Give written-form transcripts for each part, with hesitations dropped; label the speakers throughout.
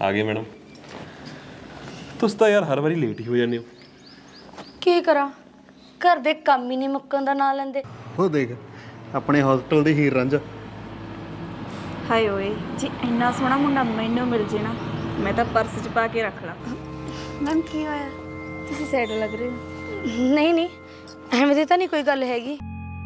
Speaker 1: आ गए मैडम। तुस तो यार हर बारी लेट ही हो जाने हो।
Speaker 2: की करा घर दे काम ही नहीं मुक्कन दा ना लेंदे।
Speaker 3: ਉਹ ਦੇਖ ਆਪਣੇ ਹਸਪੀਟਲ ਦੀ ਹੀਰ ਰਾਂਝਾ।
Speaker 4: ਹਾਏ ਓਏ ਜੀ ਇੰਨਾ ਸੋਹਣਾ ਮੁੰਡਾ ਮੈਨੂੰ ਮਿਲ ਜੇ ਨਾ ਮੈਂ ਤਾਂ ਪਰਸ 'ਚ ਪਾ ਕੇ ਰੱਖ ਲਾਂ।
Speaker 2: मैम की होया?
Speaker 4: ਤੁਸੀਂ ਸੈਡ ਲੱਗ ਰਹੇ ਹੋ।
Speaker 2: नहीं नहीं एवें दी तां नहीं कोई गल हैगी।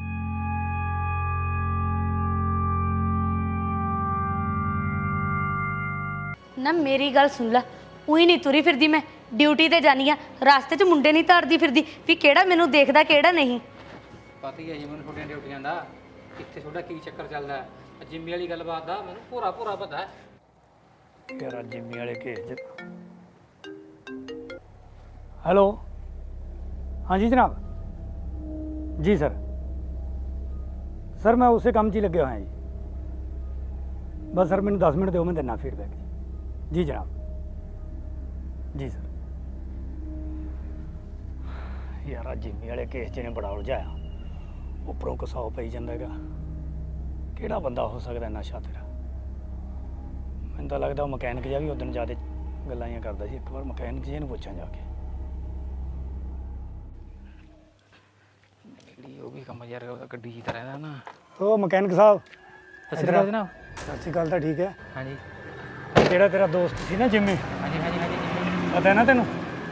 Speaker 2: ना मेरी गल सुन ला, उही नहीं तुरी फिरदी मैं ड्यूटी ते जानी आ, रास्ते च मुंडे नहीं तारदी फिरदी भी केड़ा मैनू देखदा केड़ा नहीं।
Speaker 5: पता ही है जी मैं छोटिया ड्यूटियां का कितने थोड़ा की चक्कर चलता है। जिम्मी वाली गलबात का मैं पूरा पूरा पता है।
Speaker 6: तेरा जिम्मी वाले केस हेलो हाँ जी जनाब जी सर मैं उसे काम 'ਚ ही लगे हुआ जी। बस सर मैंने 10 मिनट दो मैं देना फीडबैक जी जनाब जी सर। यार जिम्मी वाले केस 'ਚ ने बड़ा उलझाया उपरों कसाओ पई जांदा हैगा ਕਿਹੜਾ ਬੰਦਾ ਹੋ ਸਕਦਾ ਨਸ਼ਾ ਤੇਰਾ। ਮੈਨੂੰ ਤਾਂ ਲੱਗਦਾ ਉਹ ਮਕੈਨਿਕ ਜਿਹਾ ਵੀ ਉਦੋਂ ਜ਼ਿਆਦਾ ਗੱਲਾਂ ਹੀ ਕਰਦਾ ਸੀ। ਇੱਕ ਵਾਰ ਮਕੈਨਿਕ ਜੀ ਨੂੰ ਪੁੱਛਾਂ ਜਾ ਕੇ।
Speaker 5: ਜਿਹੜੀ ਉਹ ਵੀ ਕੰਮ ਯਾਰ ਗੱਡੀ ਜੀ ਤਰ੍ਹਾਂ ਦਾ ਨਾ।
Speaker 6: ਉਹ ਮਕੈਨਿਕ ਸਾਹਿਬ
Speaker 5: ਸਤਿ ਸ਼੍ਰੀ ਅਕਾਲ ਜਨਾਬ।
Speaker 6: ਸਤਿ ਸ਼੍ਰੀ ਅਕਾਲ ਤਾਂ ਠੀਕ ਹੈ।
Speaker 5: ਹਾਂਜੀ
Speaker 6: ਜਿਹੜਾ ਤੇਰਾ ਦੋਸਤ ਸੀ ਨਾ ਜਿੰਮੀ
Speaker 5: ਹਾਂਜੀ ਹਾਂਜੀ ਹਾਂਜੀ
Speaker 6: ਪਤਾ ਹੈ ਨਾ ਤੈਨੂੰ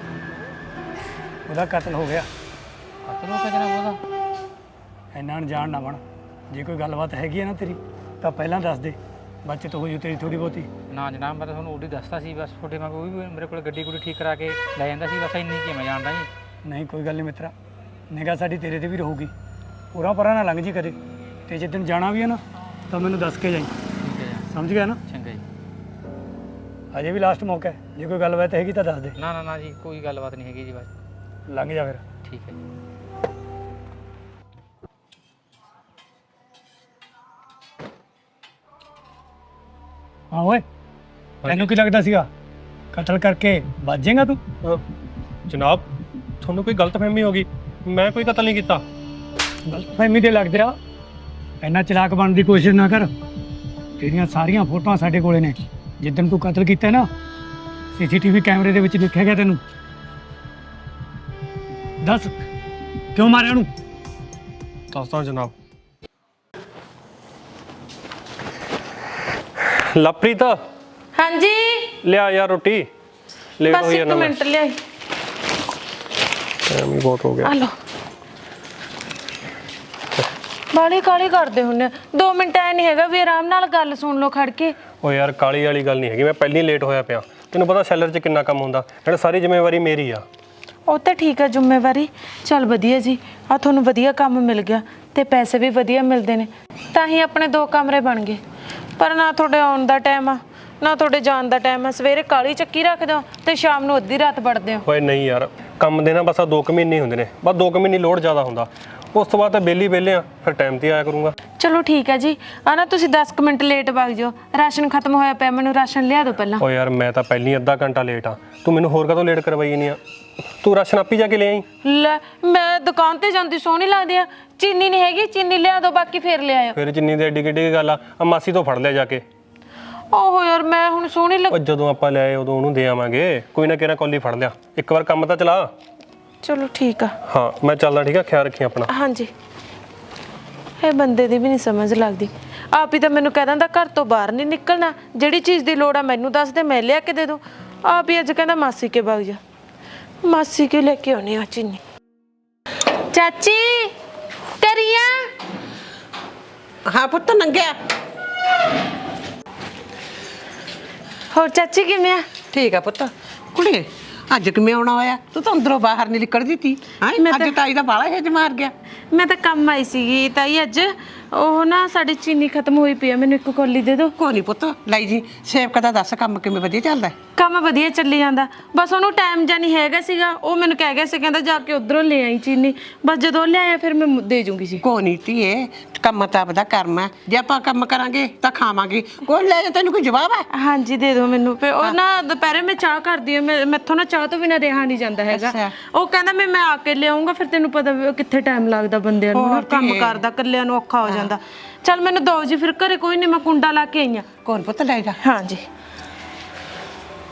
Speaker 6: ਉਹਦਾ ਕਤਲ ਹੋ ਗਿਆ।
Speaker 5: ਕਤਲ ਹੋ ਗਿਆ ਜਨਾਬ ਉਹਦਾ।
Speaker 6: ਇੰਨਾ ਅਣਜਾਣ ਨਾ ਬਣ। ਜੇ ਕੋਈ ਗੱਲਬਾਤ ਹੈਗੀ ਹੈ ਨਾ ਤੇਰੀ ਤਾਂ ਪਹਿਲਾਂ ਦੱਸ ਦੇ ਬਚਤ ਹੋ ਜੂ ਤੇਰੀ ਥੋੜੀ ਬਹੁਤੀ।
Speaker 5: ਨਾ ਜਨਾਬ ਮੈਂ ਤਾਂ ਤੁਹਾਨੂੰ ਉਹਦੀ ਦੱਸਦਾ ਸੀ ਬਸ ਤੁਹਾਡੇ ਵਾਂਗ ਉਹ ਵੀ ਮੇਰੇ ਕੋਲ ਗੱਡੀ ਗੁੱਡੀ ਠੀਕ ਕਰਾ ਕੇ ਲੈ ਜਾਂਦਾ ਸੀ ਬਸ ਇੰਨੀ ਕੀ ਮੈਂ ਜਾਣਦਾ ਜੀ।
Speaker 6: ਨਹੀਂ ਕੋਈ ਗੱਲ ਨਹੀਂ ਮਿੱਤਰਾ ਨਿਗਾਹ ਸਾਡੀ ਤੇਰੇ ਤੇ ਵੀ ਰਹੂਗੀ ਪੂਰਾ ਪਰਾਂ ਨਾ ਲੰਘ ਜੀ ਕਦੇ ਤੇ ਜੇ ਤੈਨੂੰ ਜਾਣਾ ਵੀ ਹੈ ਨਾ ਤਾਂ ਮੈਨੂੰ ਦੱਸ ਕੇ ਜਾਈ।
Speaker 5: ਠੀਕ ਹੈ ਜੀ
Speaker 6: ਸਮਝ ਗਿਆ ਨਾ।
Speaker 5: ਚੰਗਾ ਜੀ।
Speaker 6: ਅਜੇ ਵੀ ਲਾਸਟ ਮੌਕਾ ਹੈ ਜੇ ਕੋਈ ਗੱਲਬਾਤ ਹੈਗੀ ਤਾਂ ਦੱਸ ਦੇ।
Speaker 5: ਨਾ ਨਾ ਨਾ ਜੀ ਕੋਈ ਗੱਲਬਾਤ ਨਹੀਂ ਹੈਗੀ ਜੀ ਬਸ
Speaker 6: ਲੰਘ ਜਾ ਫਿਰ।
Speaker 5: ਠੀਕ ਹੈ ਜੀ।
Speaker 6: ਹਾਂ ਓਏ ਤੈਨੂੰ ਕੀ ਲੱਗਦਾ ਸੀਗਾ ਕਤਲ ਕਰਕੇ ਬਚ ਜਾਏਗਾ ਤੂੰ।
Speaker 1: जनाब थोनू कोई गलतफहमी होगी, मैं कोई कत्ल नहीं किया।
Speaker 6: ਗਲਤਫਹਿਮੀ ਤੇ ਲੱਗਦੇ ਆ ਇੰਨਾ ਚਲਾਕ ਬਣਨ ਦੀ ਕੋਸ਼ਿਸ਼ ਨਾ ਕਰ। ਤੇਰੀਆਂ ਸਾਰੀਆਂ ਫੋਟੋਆਂ ਸਾਡੇ ਕੋਲੇ ਨੇ ਜਿੱਦਣ ਤੂੰ ਕਤਲ ਕੀਤਾ ਨਾ ਸੀਸੀਟੀਵੀ ਕੈਮਰੇ ਦੇ ਵਿੱਚ ਦੇਖਿਆ ਗਿਆ ਤੈਨੂੰ। ਦੱਸ ਕਿਉਂ ਮਾਰਿਆ ਉਹਨੂੰ।
Speaker 1: दसदा जनाब। लवप्रीत
Speaker 2: हाँ जी
Speaker 1: लिया यार रोटी लेट
Speaker 2: बस
Speaker 1: हो
Speaker 2: एक मिनट ले आई।
Speaker 1: टाइम ही बहुत हो गया।
Speaker 2: हेलो ਬਾਲੀ ਕਾਲੀ ਕਰਦੇ ਹੁੰਨੇ 2 ਮਿੰਟ ਐ ਨਹੀਂ ਹੈਗਾ ਵੀ ਆਰਾਮ ਨਾਲ ਗੱਲ ਸੁਣ ਲਓ ਖੜ ਕੇ।
Speaker 1: ਉਹ ਯਾਰ ਕਾਲੀ ਵਾਲੀ ਗੱਲ ਨਹੀਂ ਹੈਗੀ, ਮੈਂ ਪਹਿਲਾਂ ਹੀ ਲੇਟ ਹੋਇਆ ਪਿਆ। ਤੈਨੂੰ ਪਤਾ ਸੈਲਰ 'ਚ ਕਿੰਨਾ ਕੰਮ ਹੁੰਦਾ, ਨਾਲੇ ਸਾਰੀ ਜ਼ਿੰਮੇਵਾਰੀ ਮੇਰੀ ਆ।
Speaker 2: ਉਹ ਤਾਂ ਠੀਕ ਆ ਜ਼ਿੰਮੇਵਾਰੀ ਚੱਲ ਵਧੀਆ ਜੀ ਆ ਤੁਹਾਨੂੰ ਵਧੀਆ ਕੰਮ ਮਿਲ ਗਿਆ ਤੇ ਪੈਸੇ ਵੀ ਵਧੀਆ ਮਿਲਦੇ ਨੇ ਤਾਂ ਹੀ ਆਪਣੇ 2 ਕਮਰੇ ਬਣ ਗਏ। ਪਰ ਨਾ ਤੁਹਾਡੇ ਆਉਣ ਦਾ ਟਾਈਮ ਆ ਨਾ ਤੁਹਾਡੇ ਜਾਣ ਦਾ ਟਾਈਮ ਆ। ਸਵੇਰੇ ਕਾਲੀ ਚੱਕੀ ਰੱਖਦੇ ਹੋ ਤੇ ਸ਼ਾਮ ਨੂੰ ਅੱਧੀ ਰਾਤ ਵੜਦੇ ਹੋ।
Speaker 1: ਓਏ ਨਹੀਂ ਯਾਰ ਕੰਮ ਦੇ ਨਾ ਬਸ ਆ 2 ਮਹੀਨੇ ਹੁੰਦੇ ਨੇ, ਬਸ 2 ਮਹੀਨੇ ਲੋਡ ਜ਼ਿਆਦਾ ਹੁੰਦਾ, ਉਸ ਤੋਂ ਬਾਅਦ ਤਾਂ ਵਿਹਲੇ ਆ ਫਿਰ ਟਾਈਮ ਤੇ ਆਇਆ ਕਰੂੰਗਾ।
Speaker 2: ਚਲੋ ਠੀਕ ਹੈ ਜੀ ਆ ਨਾ ਤੁਸੀਂ 10 ਮਿੰਟ ਲੇਟ ਵਗ ਜਾਓ ਰਾਸ਼ਨ ਖਤਮ ਹੋਇਆ ਪਿਆ ਮੈਨੂੰ ਰਾਸ਼ਨ ਲਿਆ ਦਿਓ ਪਹਿਲਾਂ।
Speaker 1: ਓ ਯਾਰ ਮੈਂ ਤਾਂ ਪਹਿਲਾਂ ਹੀ ਅੱਧਾ ਘੰਟਾ ਲੇਟ ਆ, ਤੂੰ ਮੈਨੂੰ ਹੋਰ ਕਦੋਂ ਲੇਟ ਕਰਵਾਈ ਨਹੀਂ ਆ। ਤੂੰ ਰਾਸ਼ਨ ਆਪੀ ਜਾ ਕੇ ਲੈ ਆਈ।
Speaker 2: ਲੈ ਮੈਂ ਦੁਕਾਨ ਤੇ ਜਾਂਦੀ ਸੋਹਣੀ ਲੱਗਦੀ ਆ ਚੀਨੀ ਨਹੀਂ ਹੈਗੀ ਚੀਨੀ ਲਿਆ ਦਿਓ ਬਾਕੀ ਫੇਰ ਲੈ ਆਇਓ।
Speaker 1: ਫਿਰ ਜਿੰਨੀ ਦੇ ਐਡੀ ਕਿੱਡੀ ਗੱਲ ਆ ਮਾਸੀ ਤੋਂ ਫੜ ਲਿਆ ਜਾ ਕੇ।
Speaker 2: ਓਹੋ ਯਾਰ ਮੈਂ ਹੁਣ ਸੋਹਣੀ
Speaker 1: ਉਹ ਜਦੋਂ ਆਪਾਂ ਲੈ ਆਏ ਉਦੋਂ ਉਹਨੂੰ ਦੇ ਆਵਾਂਗੇ, ਕੋਈ ਨਾ ਕਿਹੜਾ ਕੌਲੀ ਫੜ ਲਿਆ, ਇੱਕ ਵਾਰ ਕੰਮ ਤਾਂ ਚਲਾ।
Speaker 2: ਚਲੋ ਠੀਕ ਆ।
Speaker 1: ਹਾਂ ਮੈਂ ਚੱਲਦਾ, ਠੀਕ ਆ ਖਿਆਲ ਰੱਖੀ ਆਪਣਾ।
Speaker 2: ਹਾਂਜੀ ਇਹ ਬੰਦੇ ਦੀ ਵੀ ਨਹੀਂ ਸਮਝ ਲੱਗਦੀ ਆਪ ਹੀ ਤਾਂ ਮੈਨੂੰ ਕਹਿ ਦਿੰਦਾ ਘਰ ਤੋਂ ਬਾਹਰ ਨਹੀਂ ਨਿਕਲਣਾ ਜਿਹੜੀ ਚੀਜ਼ ਦੀ ਲੋੜ ਆ ਮੈਨੂੰ ਦੱਸ ਦੇ ਮੈਂ ਲਿਆ ਕੇ ਦੇ ਦੂੰ। ਆਪ ਹੀ ਅੱਜ ਕਹਿੰਦਾ ਮਾਸੀ ਕੇ ਵਗ ਜਾ ਮਾਸੀ ਕੇ ਲੈ ਕੇ ਆਉਣੀ ਆ ਚੀਨੀ। ਚਾਚੀ ਕਰੀਆ
Speaker 7: हाँ पुत्त नंगया
Speaker 2: ਹੋਰ ਚਾਚੀ ਕਿਵੇਂ ਆ।
Speaker 7: ठीक है पुत्त कुड़े अज किवें आउणा होया तू तो अंदरों बाहर नहीं निकलदी थी।
Speaker 2: मैं
Speaker 7: अज ताई दा बाला हिज मार गया।
Speaker 2: ਮੈਂ ਤਾਂ ਕੰਮ ਆਈ ਸੀਗੀ ਤਾਈ ਅੱਜ ਉਹ ਨਾ ਸਾਡੀ ਚੀਨੀ ਖਤਮ ਹੋਈ ਪਈ ਆ ਮੈਨੂੰ ਇੱਕ ਕੌਲੀ ਦੇ ਦਿਓ।
Speaker 7: कोई नहीं पुत्त लाई जी सेवक दा दस काम किवें वधिया चलदा है।
Speaker 2: ਕੰਮ ਵਧੀਆ ਚੱਲੀ ਜਾਂਦਾ ਬਸ ਉਹਨੂੰ ਟਾਈਮ ਜਾਂ ਨਹੀਂ ਹੈਗਾ ਸੀਗਾ ਉਹ ਮੈਨੂੰ ਕਹਿ ਗਿਆ ਸੀ ਕਹਿੰਦਾ ਜਾ ਕੇ ਉਧਰੋਂ ਲੈ ਆਈ ਚੀਨੀ ਬਸ ਜਦੋਂ ਲਿਆਇਆ ਫਿਰ ਮੈਂ ਦੇ ਜੂੰਗੀ ਸੀ।
Speaker 7: कोई नहीं धीए ਕੰਮ ਤਾਂ ਆਪਦਾ ਕਰਮ ਹੈ ਜੇ ਆਪਾਂ ਕੰਮ ਕਰਾਂਗੇ ਤਾਂ ਖਾਵਾਂਗੇ ਕੋਈ ਲੈ ਜਾ ਤੈਨੂੰ ਕੋਈ ਜਵਾਬ ਹੈ।
Speaker 2: ਹਾਂਜੀ ਦੇ ਦਿਓ ਮੈਨੂੰ ਫਿਰ ਉਹ ਨਾ ਦੁਪਹਿਰੇ ਮੈਂ ਚਾਹ ਕਰਦੀ ਹਾਂ ਮੈਥੋਂ ਨਾ ਚਾਹ ਤੋਂ ਬਿਨਾਂ ਰਿਹਾ ਨਹੀਂ ਜਾਂਦਾ ਹੈਗਾ। ਉਹ ਕਹਿੰਦਾ ਮੈਂ ਆ ਕੇ ਲਿਆਉਂਗਾ ਫਿਰ ਤੈਨੂੰ ਪਤਾ ਕਿੱਥੇ ਟਾਈਮ ਲੱਗਦਾ ਬੰਦਿਆਂ ਨੂੰ ਨਾ ਕੰਮ ਕਰਦਾ ਇਕੱਲਿਆਂ ਨੂੰ ਔਖਾ ਹੋ ਜਾਂਦਾ। ਚੱਲ ਮੈਨੂੰ ਦੋ ਜੀ ਫਿਰ ਘਰੇ ਕੋਈ ਨਹੀਂ ਮੈਂ ਕੁੰਡਾ ਲਾ ਕੇ ਆਈ ਆ।
Speaker 7: ਕੋਣ ਪੁੱਤ ਲੈ ਜਾ।
Speaker 2: ਹਾਂਜੀ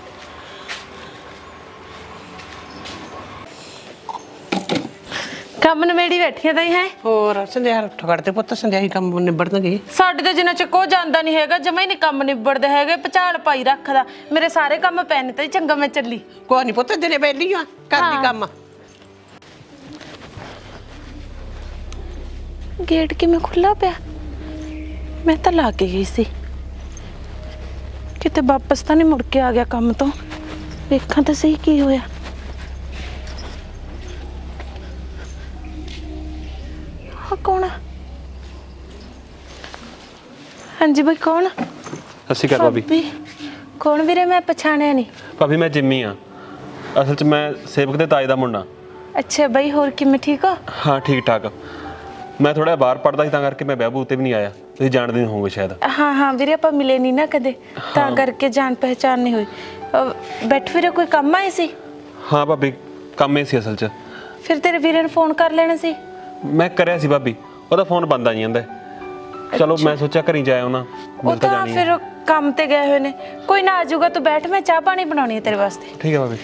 Speaker 2: ਕੰਮ ਨਵੇੜੀ ਬੈਠੀਆਂ ਤਾਂ ਹੀ ਹੈ।
Speaker 7: ਹੋਰ ਸੰਧਿਆ ਉੱਠ ਖੜਦੇ ਪੁੱਤ, ਸੰਧਿਆ ਹੀ ਕੰਮ ਨਿਬੜਨਗੇ।
Speaker 2: ਸਾਡੇ ਤੇ ਜਿੰਨਾ ਚ ਕੋ ਜਾਂਦਾ ਨਹੀਂ ਹੈਗਾ, ਜਮਾ ਹੀ ਨਹੀਂ ਕੰਮ ਨਿਬੜਦੇ ਹੈਗੇ, ਪਚਾਲ ਪਾਈ ਰੱਖਦਾ। ਮੇਰੇ ਸਾਰੇ ਕੰਮ ਪੈਣ ਤੇ ਚੰਗਾ ਮੈਂ ਚੱਲੀ।
Speaker 7: ਕੋਈ ਨਹੀਂ ਪੁੱਤ, ਦਿਨੇ ਬੈਲੀ ਆ ਕਰਦੀ ਕੰਮ।
Speaker 2: ਗੇਟ ਕਿਵੇਂ ਖੁੱਲਾ ਪਿਆ? ਮੈਂ ਤਾਂ ਲਾ ਕੇ ਗਈ ਸੀ, ਕਿਤੇ ਵਾਪਸ ਤਾਂ ਨਹੀਂ ਮੁੜ ਕੇ ਆ ਗਿਆ ਕੰਮ ਤੋਂ। ਵੇਖਾਂ ਤਾਂ ਸਹੀ ਕੀ ਹੋਇਆ। ਹਾਂ ਕੌਣ ਆ? ਹਾਂਜੀ ਬਈ ਕੌਣ?
Speaker 1: ਸਤਿ ਸ਼੍ਰੀ ਅਕਾਲ ਭਾਬੀ।
Speaker 2: ਕੌਣ ਵੀਰੇ? ਮੈਂ ਪਛਾਣਿਆ ਨਹੀਂ।
Speaker 1: ਭਾਬੀ ਮੈਂ ਜਿੰਮੀ ਆ, ਅਸਲ 'ਚ ਮੈਂ ਸੇਵਕ ਦੇ ਤਾਏ ਦਾ ਮੁੰਡਾ।
Speaker 2: ਅੱਛਾ ਬਈ, ਹੋਰ ਕਿਵੇਂ ਠੀਕ ਹੋ?
Speaker 1: ਹਾਂ ਠੀਕ ਠਾਕ। ਮੈਂ ਥੋੜਾ ਬਾਹਰ ਪੜਦਾ ਸੀ ਤਾਂ ਕਰਕੇ ਮੈਂ ਵਿਆਹ ਤੇ ਵੀ ਨਹੀਂ ਆਇਆ, ਤੁਸੀਂ ਜਾਣਦੇ ਨਹੀਂ ਹੋਵੋਗੇ ਸ਼ਾਇਦ।
Speaker 2: ਹਾਂ ਹਾਂ ਵੀਰੇ, ਆਪਾਂ ਮਿਲੇ ਨਹੀਂ ਨਾ ਕਦੇ, ਤਾਂ ਕਰਕੇ ਜਾਣ ਪਹਿਚਾਣ ਨਹੀਂ ਹੋਈ। ਬੈਠ ਵੀਰੇ, ਕੋਈ ਕੰਮ ਆਏ ਸੀ?
Speaker 1: ਹਾਂ ਭਾਬੀ ਕੰਮ ਹੀ ਸੀ ਅਸਲ 'ਚ।
Speaker 2: ਫਿਰ ਤੇਰੇ ਵੀਰੇ ਨੂੰ ਫੋਨ ਕਰ ਲੈਣਾ ਸੀ।
Speaker 1: ਮੈਂ ਕਰਿਆ ਸੀ ਭਾਬੀ, ਉਹਦਾ ਫੋਨ ਬੰਦ ਆ ਜਾਂਦਾ। ਚਲੋ ਮੈਂ ਸੋਚਿਆ ਘਰੀ ਜਾਇਆ ਉਹਨਾਂ,
Speaker 2: ਉਹ
Speaker 1: ਮਿਲ ਤਾਂ
Speaker 2: ਤਾਂ
Speaker 1: ਜਾਣੀ
Speaker 2: ਫਿਰ ਕੰਮ ਤੇ ਗਏ ਹੋਏ ਨੇ। ਕੋਈ ਨਾ, ਆ ਜਾਊਗਾ, ਤੂੰ ਬੈਠ, ਮੈਂ ਚਾਹ ਪਾਣੀ ਬਣਾਉਣੀ ਹੈ ਤੇਰੇ ਵਾਸਤੇ।
Speaker 1: ਠੀਕ ਹੈ ਭਾਬੀ।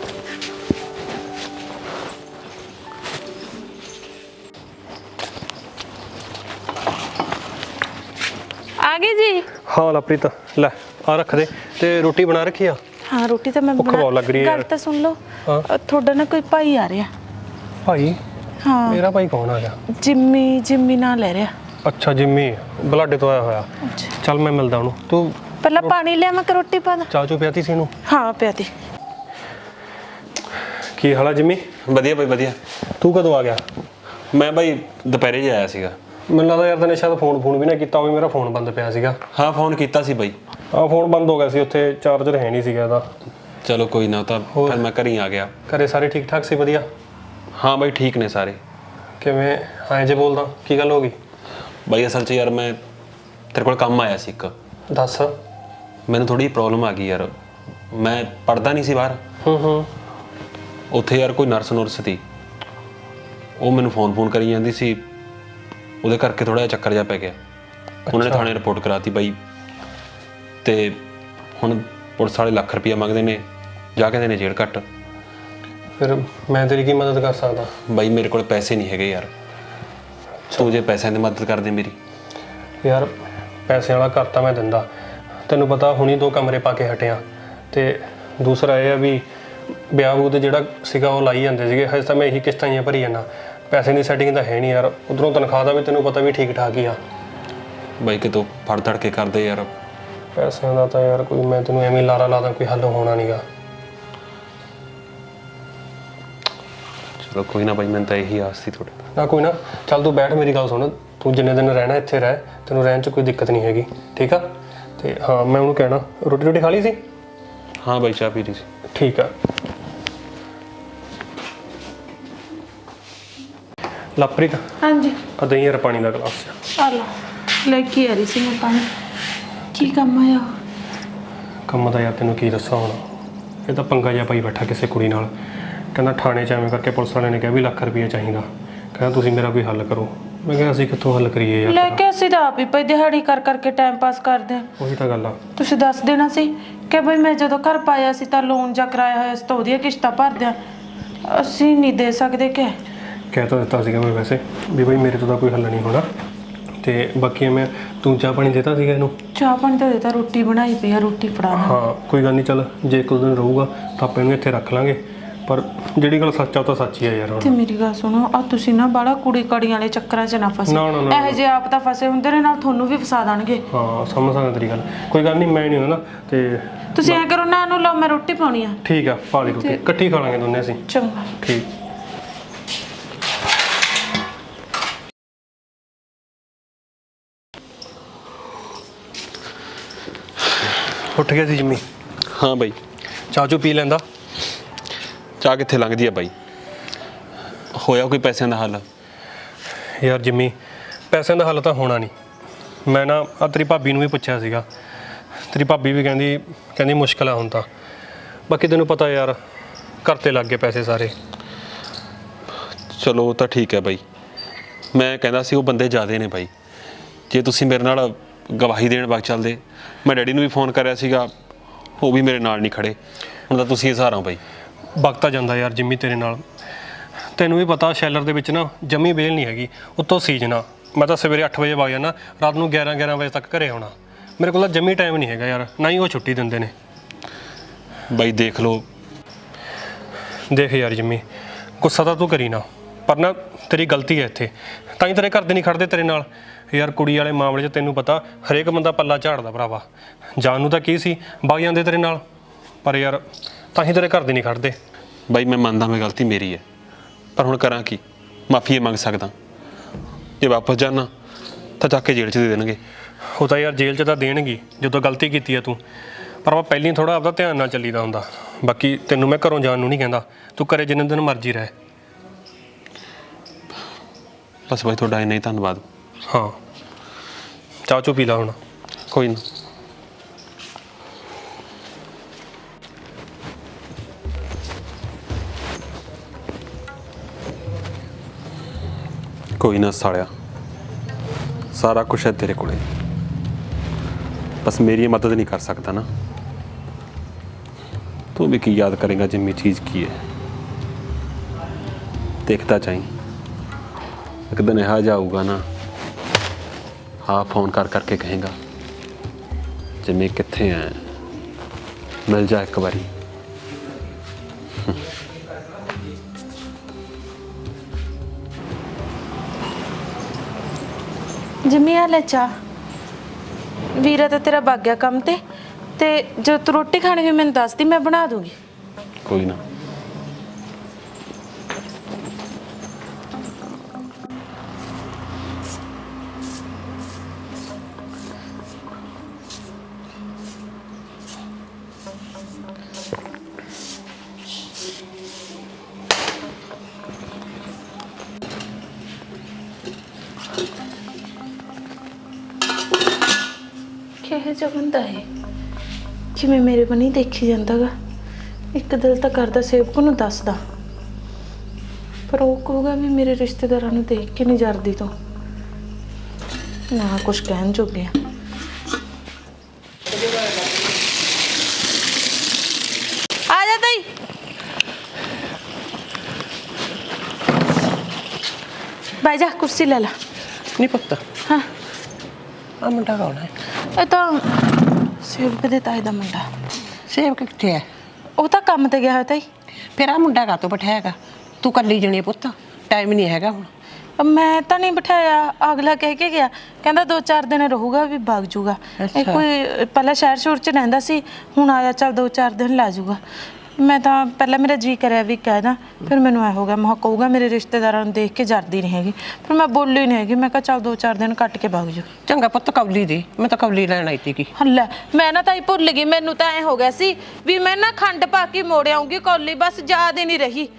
Speaker 2: ਆ ਗਈ ਜੀ?
Speaker 1: ਹਾਂ ਲਵਪ੍ਰੀਤ ਲੈ ਆ ਰੱਖ ਦੇ। ਤੇ ਰੋਟੀ ਬਣਾ ਰੱਖੀ ਆ?
Speaker 2: ਹਾਂ ਰੋਟੀ ਤਾਂ ਮੈਂ
Speaker 1: ਭੁੱਖ ਬਹੁਤ ਲੱਗ ਰਹੀ ਹੈ
Speaker 2: ਗੱਲ
Speaker 1: ਯਾਰ।
Speaker 2: ਤਾਂ ਸੁਣ ਲਓ।
Speaker 1: ਹਾਂ।
Speaker 2: ਤੁਹਾਡਾ ਨਾ ਕੋਈ ਭਾਈ ਆ ਰਿਹਾ।
Speaker 1: ਭਾਈ?
Speaker 2: ਹਾਂ
Speaker 1: ਮੇਰਾ ਭਾਈ ਕੌਣ ਆ ਗਿਆ?
Speaker 2: ਜਿੰਮੀ ਨਾਂ ਲੈ ਰਿਹਾ।
Speaker 1: ਅੱਛਾ ਜਿੰਮੀ, ਬਲਾਡੇ ਤੋਂ ਆਇਆ ਹੋਇਆ। ਚੱਲ ਮੈਂ ਮਿਲਦਾ ਉਹਨੂੰ। ਤੂੰ
Speaker 2: ਪਹਿਲਾਂ ਪਾਣੀ ਲਿਆਵਾਂ ਕਿ ਰੋਟੀ ਪਾ ਦਾਂ?
Speaker 1: ਚਾਹ ਚੋ ਪਿਆਤੀ ਸੀ ਇਹਨੂੰ?
Speaker 2: ਹਾਂ ਪਿਆਤੀ।
Speaker 1: ਕੀ ਹਾਲ ਆ ਜਿੰਮੀ? ਵਧੀਆ ਭਾਈ ਵਧੀਆ। ਤੂੰ ਕਦੋਂ ਆ ਗਿਆ? ਮੈਂ ਭਾਈ ਦੁਪਹਿਰੇ ਹੀ ਆਇਆ ਸੀਗਾ। ਮੈਨੂੰ ਲੱਗਦਾ ਯਾਰ ਤੈਨੇ ਸ਼ਾਇਦ ਫੋਨ ਵੀ ਨਾ ਕੀਤਾ ਹੋਵੇ, ਮੇਰਾ ਫੋਨ ਬੰਦ ਪਿਆ ਸੀਗਾ। ਹਾਂ ਫੋਨ ਕੀਤਾ ਸੀ ਬਾਈ। ਹਾਂ ਫੋਨ ਬੰਦ ਹੋ ਗਿਆ ਸੀ, ਉੱਥੇ ਚਾਰਜਰ ਹੈ ਨਹੀਂ ਸੀਗਾ ਇਹਦਾ। ਚਲੋ ਕੋਈ ਨਾ, ਤਾਂ ਫਿਰ ਮੈਂ ਘਰ ਹੀ ਆ ਗਿਆ। ਘਰੇ ਸਾਰੇ ਠੀਕ ਠਾਕ ਸੀ? ਵਧੀਆ। ਹਾਂ ਬਾਈ ਠੀਕ ਨੇ ਸਾਰੇ। ਕਿਵੇਂ ਐਂ ਜੇ ਬੋਲਦਾ, ਕੀ ਗੱਲ ਹੋ ਗਈ? ਬਾਈ ਅਸਲ 'ਚ ਯਾਰ ਮੈਂ ਤੇਰੇ ਕੋਲ ਕੰਮ ਆਇਆ ਸੀ ਇੱਕ। ਦੱਸ। ਮੈਨੂੰ ਥੋੜੀ ਪ੍ਰੋਬਲਮ ਆ ਗਈ ਯਾਰ, ਮੈਂ ਪੜਦਾ ਨਹੀਂ ਸੀ ਬਾਹਰ। ਉੱਥੇ ਯਾਰ ਕੋਈ ਨਰਸ ਸੀ, ਉਹ ਮੈਨੂੰ ਫੋਨ ਕਰੀ ਜਾਂਦੀ ਸੀ, ਉਹਦੇ ਕਰਕੇ ਥੋੜਾ ਜਿਹਾ ਚੱਕਰ ਜਿਹਾ ਪੈ ਗਿਆ। ਉਹਨਾਂ ਨੇ ਥਾਣੇ ਰਿਪੋਰਟ ਕਰਾਤੀ ਬਾਈ, ਤੇ ਹੁਣ ਪੁਲਿਸ ਵਾਲੇ ਲੱਖ ਰੁਪਇਆ ਮੰਗਦੇ ਨੇ, ਜਾ ਕਹਿੰਦੇ ਨੇ ਜੇਲ੍ਹ ਕੱਟ। ਫਿਰ ਮੈਂ ਤੇਰੀ ਕੀ ਮਦਦ ਕਰ ਸਕਦਾ? ਬਾਈ ਮੇਰੇ ਕੋਲ ਪੈਸੇ ਨਹੀਂ ਹੈਗੇ ਯਾਰ, ਤੂੰ ਜੇ ਪੈਸਿਆਂ ਦੀ ਮਦਦ ਕਰ ਦੇ ਮੇਰੀ। ਯਾਰ ਪੈਸੇ ਵਾਲਾ ਘਰ ਤਾਂ ਮੈਂ ਦਿੰਦਾ, ਤੈਨੂੰ ਪਤਾ ਹੁਣੀ 2 ਕਮਰੇ ਪਾ ਕੇ ਹਟਿਆ, ਤੇ ਦੂਸਰਾ ਇਹ ਆ ਵੀ ਵਿਆਹ ਬੂ ਤੇ ਜਿਹੜਾ ਸੀਗਾ ਉਹ ਲਾਈ ਜਾਂਦੇ ਸੀਗੇ। ਹਜੇ ਤਾਂ ਮੈਂ ਇਹੀ ਕਿਸ਼ਤਾਂ ਹੀ ਭਰੀ ਜਾਂਦਾ, ਪੈਸੇ ਦੀ ਸੈਟਿੰਗ ਤਾਂ ਹੈ ਨਹੀਂ ਯਾਰ। ਉਧਰੋਂ ਤਨਖਾਹ ਦਾ ਵੀ ਤੈਨੂੰ ਪਤਾ ਵੀ ਠੀਕ ਠਾਕ ਹੀ ਆ। ਬਾਈ ਕਿਤੋਂ ਫੜ ਧੜ ਕੇ ਕਰਦੇ ਯਾਰ। ਪੈਸਿਆਂ ਦਾ ਤਾਂ ਯਾਰ ਕੋਈ, ਮੈਂ ਤੈਨੂੰ ਐਵੇਂ ਲਾਰਾ ਲਾਦਾ, ਕੋਈ ਹੱਲ ਹੋਣਾ ਨਹੀਂਗਾ। ਚਲੋ ਕੋਈ ਨਾ ਬਾਈ, ਮੈਨੂੰ ਤਾਂ ਇਹੀ ਆਸ ਸੀ ਤੁਹਾਡੇ ਨਾ। ਕੋਈ ਨਾ ਚੱਲ ਤੂੰ ਬੈਠ, ਮੇਰੀ ਗੱਲ ਸੁਣ। ਤੂੰ ਜਿੰਨੇ ਦਿਨ ਰਹਿਣਾ ਇੱਥੇ ਰਹਿ, ਤੈਨੂੰ ਰਹਿਣ 'ਚ ਕੋਈ ਦਿੱਕਤ ਨਹੀਂ ਹੈਗੀ, ਠੀਕ ਆ? ਤੇ ਹਾਂ ਮੈਂ ਉਹਨੂੰ ਕਹਿਣਾ, ਰੋਟੀ ਖਾ ਲਈ ਸੀ? ਹਾਂ ਬਾਈ ਚਾਹ ਪੀ ਲਈ ਸੀ। ਠੀਕ ਆ। ਲਵਪ੍ਰੀਤ
Speaker 2: ਹਾਂਜੀ
Speaker 1: ਆ ਦਹੀਂ ਯਾਰ ਪਾਣੀ ਦਾ ਗਲਾਸ।
Speaker 2: ਆ ਲਓ, ਲੈ ਕੇ ਆ ਰਹੀ ਸੀ ਮੈਂ ਪਾਣੀ। ਕੀ ਕੰਮ ਆਇਆ?
Speaker 1: ਕੰਮ ਦਾ ਯਾਰ ਤੈਨੂੰ ਕੀ ਦੱਸਾਂ ਹੁਣ, ਇਹ ਤਾਂ ਪੰਗਾ ਜਿਹਾ ਪਾਈ ਬੈਠਾ ਕਿਸੇ ਕੁੜੀ ਨਾਲ। ਕਹਿੰਦਾ ਥਾਣੇ 'ਚ ਐਵੇਂ ਕਰਕੇ ਪੁਲਿਸ ਵਾਲਿਆਂ ਨੇ ਕਿਹਾ ਵੀ ਲੱਖ ਰੁਪਈਆ ਚਾਹੀਦਾ, ਕਹਿੰਦਾ ਤੁਸੀਂ ਮੇਰਾ ਕੋਈ ਹੱਲ ਕਰੋ। ਮੈਂ ਕਿਹਾ ਅਸੀਂ ਕਿੱਥੋਂ ਹੱਲ ਕਰੀਏ ਯਾਰ?
Speaker 2: ਲੈ ਕੇ ਅਸੀਂ ਤਾਂ ਆਪ ਹੀ ਪਈ ਦਿਹਾੜੀ ਕਰ ਕਰਕੇ ਟਾਈਮ ਪਾਸ ਕਰਦੇ ਹਾਂ।
Speaker 1: ਉਹੀ ਤਾਂ ਗੱਲ ਆ।
Speaker 2: ਤੁਸੀਂ ਦੱਸ ਦੇਣਾ ਸੀ ਕਿ ਬਈ ਮੈਂ ਜਦੋਂ ਘਰ ਪਾਇਆ ਸੀ ਤਾਂ ਲੋਨ ਜਾਂ ਕਰਾਇਆ ਹੋਇਆ ਸੀ, ਤਾਂ ਉਹਦੀਆਂ ਕਿਸ਼ਤਾਂ ਭਰਦੇ ਆ। ਅਸੀਂ ਨਹੀਂ ਦੇ ਸਕਦੇ ਕਿ?
Speaker 1: ਕਹਿ ਤਾਂ ਦਿੱਤਾ ਸੀਗਾ ਮੈਂ ਵੈਸੇ ਵੀ ਬਈ ਮੇਰੇ ਤੋਂ ਤਾਂ ਕੋਈ ਹੱਲ ਨਹੀਂ ਹੋਣਾ, ਤੇ ਬਾਕੀ ਮੈਂ ਤੂੰ ਚਾਹ ਪਾਣੀ ਦੇਤਾ ਸੀਗਾ ਇਹਨੂੰ?
Speaker 2: ਚਾਹ ਪਾਣੀ ਤਾਂ ਦੇਤਾ, ਰੋਟੀ ਬਣਾਈ ਪਈ ਆ, ਰੋਟੀ ਫੜਾ ਦਾਂ।
Speaker 1: ਹਾਂ ਕੋਈ ਗੱਲ ਨਹੀਂ, ਚੱਲ ਜੇ ਇੱਕ ਦੋ ਦਿਨ ਰਹੂਗਾ ਤਾਂ ਆਪਾਂ ਇਹਨੂੰ ਇੱਥੇ ਰੱਖ ਲਾਂਗੇ, ਪਰ ਜਿਹੜੀ ਗੱਲ ਸੱਚ ਆ ਉਹ ਤਾਂ ਸੱਚ ਹੀ ਆ ਯਾਰ।
Speaker 2: ਤੇ ਮੇਰੀ ਗੱਲ ਸੁਣੋ, ਆ ਤੁਸੀਂ ਨਾ ਬਾਹਲਾ ਕੁੜੀ ਕਾੜੀਆਂ ਵਾਲੇ ਚੱਕਰਾਂ 'ਚ ਨਾ ਫਸੇ। ਇਹੋ ਜਿਹੇ ਆਪ ਤਾਂ ਫਸੇ ਹੁੰਦੇ ਨੇ, ਨਾਲ ਤੁਹਾਨੂੰ ਵੀ ਫਸਾ ਦੇਣਗੇ।
Speaker 1: ਹਾਂ ਸਮਝ ਸਕਦਾ ਤੇਰੀ ਗੱਲ, ਕੋਈ ਗੱਲ ਨਹੀਂ, ਮੈਂ ਨਹੀਂ ਹੁੰਦਾ ਤੇ
Speaker 2: ਤੁਸੀਂ ਐਂ ਕਰੋ ਨਾ, ਨੂੰ ਲਓ, ਮੈਂ ਰੋਟੀ ਪਾਉਣੀ ਆ।
Speaker 1: ਠੀਕ ਆ, ਪਾ ਲਈ ਰੋਟੀ, ਇਕੱਠੀ ਖਾ ਲਾਂਗੇ ਦੋਨੇ ਅਸੀਂ।
Speaker 2: ਚੰਗਾ
Speaker 1: ਠੀਕ। ਉੱਠ ਗਿਆ ਸੀ ਜਿੰਮੀ? ਹਾਂ ਬਾਈ। ਚਾਹ ਚੋ ਪੀ ਲੈਂਦਾ? ਚਾਹ ਕਿੱਥੇ ਲੰਘਦੀ ਆ ਬਾਈ, ਹੋਇਆ ਕੋਈ ਪੈਸਿਆਂ ਦਾ ਹੱਲ? ਯਾਰ ਜਿੰਮੀ ਪੈਸਿਆਂ ਦਾ ਹੱਲ ਤਾਂ ਹੋਣਾ ਨਹੀਂ। ਮੈਂ ਨਾ ਆ ਤੇਰੀ ਭਾਬੀ ਨੂੰ ਵੀ ਪੁੱਛਿਆ ਸੀਗਾ, ਤੇਰੀ ਭਾਬੀ ਵੀ ਕਹਿੰਦੀ ਮੁਸ਼ਕਿਲ ਆ ਹੁਣ ਤਾਂ। ਬਾਕੀ ਤੈਨੂੰ ਪਤਾ ਯਾਰ ਘਰ ਤੇ ਲੱਗ ਗਏ ਪੈਸੇ ਸਾਰੇ। ਚਲੋ ਉਹ ਤਾਂ ਠੀਕ ਹੈ ਬਾਈ, ਮੈਂ ਕਹਿੰਦਾ ਸੀ ਉਹ ਬੰਦੇ ਜ਼ਿਆਦੇ ਨੇ ਬਾਈ, ਜੇ ਤੁਸੀਂ ਮੇਰੇ ਨਾਲ ਗਵਾਹੀ ਦੇਣ ਵਗ ਚੱਲਦੇ। ਮੈਂ ਡੈਡੀ ਨੂੰ ਵੀ ਫੋਨ ਕਰਿਆ ਸੀਗਾ, ਉਹ ਵੀ ਮੇਰੇ ਨਾਲ ਨਹੀਂ ਖੜੇ। ਹੁਣ ਤਾਂ ਤੁਸੀਂ ਹੀ ਸਹਾਰਾ ਹੋ ਬਾਈ। ਵਕਤ ਆ ਜਾਂਦਾ ਯਾਰ ਜਿੰਮੀ ਤੇਰੇ ਨਾਲ, ਤੈਨੂੰ ਵੀ ਪਤਾ ਸ਼ੈਲਰ ਦੇ ਵਿੱਚ ਨਾ ਜਮੀ ਵੇਲ ਨਹੀਂ ਹੈਗੀ, ਉੱਤੋਂ ਸੀਜ਼ਨ ਆ। ਮੈਂ ਤਾਂ ਸਵੇਰੇ 8 ਵਜੇ ਵਗ ਜਾਣਾ, ਰਾਤ ਨੂੰ 11 ਵਜੇ ਤੱਕ ਘਰੇ ਆਉਣਾ। ਮੇਰੇ ਕੋਲ ਤਾਂ ਜਮੀ ਟਾਈਮ ਨਹੀਂ ਹੈਗਾ ਯਾਰ, ਨਾ ਹੀ ਉਹ ਛੁੱਟੀ ਦਿੰਦੇ ਨੇ। ਬਾਈ ਦੇਖ ਲਓ, ਦੇਖ ਯਾਰ ਜਿੰਮੀ, ਗੁੱਸਾ ਤਾਂ ਤੂੰ ਕਰੀ ਨਾ, ਪਰ ਨਾ ਤੇਰੀ ਗਲਤੀ ਹੈ ਇੱਥੇ, ਤਾਂ ਹੀ ਤੇਰੇ ਘਰ ਦੇ ਨਹੀਂ ਖੜਦੇ ਤੇਰੇ ਨਾਲ। ਯਾਰ ਕੁੜੀ ਵਾਲੇ ਮਾਮਲੇ 'ਚ ਤੈਨੂੰ ਪਤਾ ਹਰੇਕ ਬੰਦਾ ਪੱਲਾ ਝਾੜਦਾ ਭਰਾਵਾ। ਜਾਣ ਨੂੰ ਤਾਂ ਕੀ ਸੀ, ਵਗ ਜਾਂਦੇ ਤੇਰੇ ਨਾਲ, ਪਰ ਯਾਰ ਤਾਂ ਹੀ ਤੇਰੇ ਘਰ ਦੇ ਨਹੀਂ ਖੜਦੇ। ਬਾਈ ਮੈਂ ਮੰਨਦਾ ਮੈਂ ਗਲਤੀ ਮੇਰੀ ਹੈ, ਪਰ ਹੁਣ ਕਰਾਂ ਕੀ? ਮਾਫੀ ਮੰਗ ਸਕਦਾ, ਜੇ ਵਾਪਸ ਜਾਣਾ ਤਾਂ ਚੱਕ ਕੇ ਜੇਲ੍ਹ 'ਚ ਦੇ ਦੇਣਗੇ। ਉਹ ਤਾਂ ਯਾਰ ਜੇਲ੍ਹ 'ਚ ਤਾਂ ਦੇਣਗੇ ਜਦੋਂ ਗਲਤੀ ਕੀਤੀ ਹੈ ਤੂੰ, ਪਰ ਆਪਾਂ ਪਹਿਲਾਂ ਥੋੜ੍ਹਾ ਆਪਦਾ ਧਿਆਨ ਨਾਲ ਚੱਲੀਦਾ ਹੁੰਦਾ। ਬਾਕੀ ਤੈਨੂੰ ਮੈਂ ਘਰੋਂ ਜਾਣ ਨੂੰ ਨਹੀਂ ਕਹਿੰਦਾ, ਤੂੰ ਘਰੇ ਜਿੰਨੇ ਦਿਨ ਮਰਜ਼ੀ ਰਹਿ। ਬਸ ਬਾਈ ਤੁਹਾਡਾ ਇੰਨਾ ਹੀ ਧੰਨਵਾਦ। ਹਾਂ ਚਾਹ ਚੂ ਪੀ ਲਾ ਹੁਣ। ਕੋਈ ਨਾ, ਕੋਈ ਨਾ ਸਾਲਿਆ, ਸਾਰਾ ਕੁਛ ਹੈ ਤੇਰੇ ਕੋਲੇ, ਬਸ ਮੇਰੀ ਮਦਦ ਨਹੀਂ ਕਰ ਸਕਦਾ ਨਾ। ਤੂੰ ਵੀ ਕੀ ਯਾਦ ਕਰੇਗਾ ਜਿੰਮੀ ਚੀਜ਼ ਕੀ ਹੈ, ਦੇਖਦਾ ਚਾਹੀਂ। ਇੱਕ ਦਿਨ ਇਹੋ ਜਿਹਾ ਆਊਗਾ ਨਾ, ਹਾਂ ਫੋਨ ਕਰ ਕਰਕੇ ਕਹੇਗਾ ਜਿੰਮੀ ਕਿੱਥੇ ਹੈ, ਮਿਲ ਜਾ ਇੱਕ ਵਾਰੀ।
Speaker 2: ਜਿੰਮੀ ਆ ਲੈ ਚਾਹ। ਵੀਰਾ ਤਾਂ ਤੇਰਾ ਵਗ ਗਿਆ ਕੰਮ ਤੇ ਜਦੋਂ ਤੂੰ ਰੋਟੀ ਖਾਣੀ ਹੋਈ ਮੈਨੂੰ ਦੱਸ ਦੀ, ਮੈਂ ਬਣਾ ਦੂੰਗੀ।
Speaker 1: ਕੋਈ ਨਾ।
Speaker 2: ਕਿਹੋ ਜਿਹਾ ਬੰਦਾ ਹੈ, ਕਿਵੇਂ ਮੇਰੇ ਵੱਲ ਨਹੀਂ ਦੇਖੀ ਜਾਂਦਾ ਗਾ। ਇੱਕ ਦਿਲ ਤਾਂ ਕਰਦਾ ਸੇਵਕ ਨੂੰ ਦੱਸਦਾ, ਪਰ ਉਹ ਕਹੂਗਾ ਵੀ ਮੇਰੇ ਰਿਸ਼ਤੇਦਾਰਾਂ ਨੂੰ ਦੇਖ ਕੇ ਨਹੀਂ ਜਰਦੀ ਤੋਂ ਨਾ ਕੁਝ ਕਹਿਣ ਜੋਗੇ ਆ। ਆ ਜਾ ਤਾਈ। ਬਾਈ ਜਾ ਕੁਰਸੀ ਲੈ ਲਾ।
Speaker 7: ਨਹੀਂ ਪੁੱਤ,
Speaker 2: ਹਾਂ
Speaker 7: ਆ ਮੁੰਡਾ ਕੌਣ ਹੈ?
Speaker 2: ਇਹ ਤਾਂ ਸੇਵਕ ਦੇ ਤਾਏ ਦਾ ਮੁੰਡਾ।
Speaker 7: ਸੇਵਕ ਕਿੱਥੇ ਹੈ?
Speaker 2: ਉਹ ਤਾਂ ਕੰਮ ਤੇ ਗਿਆ ਹੋਇਆ ਤਾਈ।
Speaker 7: ਫਿਰ ਆ ਮੁੰਡਾ ਕਾਹਤੋਂ ਬਿਠਾਇਆਗਾ? ਤੂੰ ਕੱਲੀ ਜਣੀ ਪੁੱਤ, ਟਾਈਮ ਨਹੀਂ ਹੈਗਾ ਹੁਣ।
Speaker 2: ਮੈਂ ਤਾਂ ਨਹੀਂ ਬਿਠਾਇਆ, ਅਗਲਾ ਕਹਿ ਕੇ ਗਿਆ, ਕਹਿੰਦਾ 2-4 ਦਿਨ ਰਹੂਗਾ ਵੀ ਵਗ ਜੂਗਾ। ਇਹ ਕੋਈ ਪਹਿਲਾਂ ਸ਼ਹਿਰ ਸ਼ੁਰ 'ਚ ਰਹਿੰਦਾ ਸੀ, ਹੁਣ ਆਇਆ ਚੱਲ 2-4 ਦਿਨ ਲਾ ਜੂਗਾ। ਮੈਂ ਤਾਂ ਪਹਿਲਾਂ ਮੇਰਾ ਜੀ ਕਰਿਆ ਵੀ ਕਹਿਦਾ, ਫਿਰ ਮੈਨੂੰ ਐ ਹੋ ਗਿਆ ਮੈਂ ਕਹੂਗਾ ਮੇਰੇ ਰਿਸ਼ਤੇਦਾਰਾਂ ਨੂੰ ਦੇਖ ਕੇ ਜਰਦੀ ਨਹੀਂ ਹੈਗੀ, ਫਿਰ ਮੈਂ ਬੋਲੀ ਨਹੀਂ ਹੈਗੀ। ਮੈਂ ਕਿਹਾ ਚੱਲ 2-4 ਦਿਨ ਕੱਟ ਕੇ ਵਗ ਜੂ।
Speaker 7: ਚੰਗਾ ਪੁੱਤ, ਕੌਲੀ ਦੇ, ਮੈਂ ਤਾਂ ਕੌਲੀ ਲੈਣ ਆਈ ਤੀ। ਕੀ
Speaker 2: ਹੱਲਾ, ਮੈਂ ਨਾ ਤਾਂ ਹੀ ਭੁੱਲ ਗਈ, ਮੈਨੂੰ ਤਾਂ ਐ ਹੋ ਗਿਆ ਸੀ ਵੀ ਮੈਂ ਨਾ ਖੰਡ ਪਾ ਕੇ ਮੋੜ ਆਉਂਗੀ ਕੌਲੀ, ਬਸ ਯਾਦ ਹੀ ਨਹੀਂ ਰਹੀ।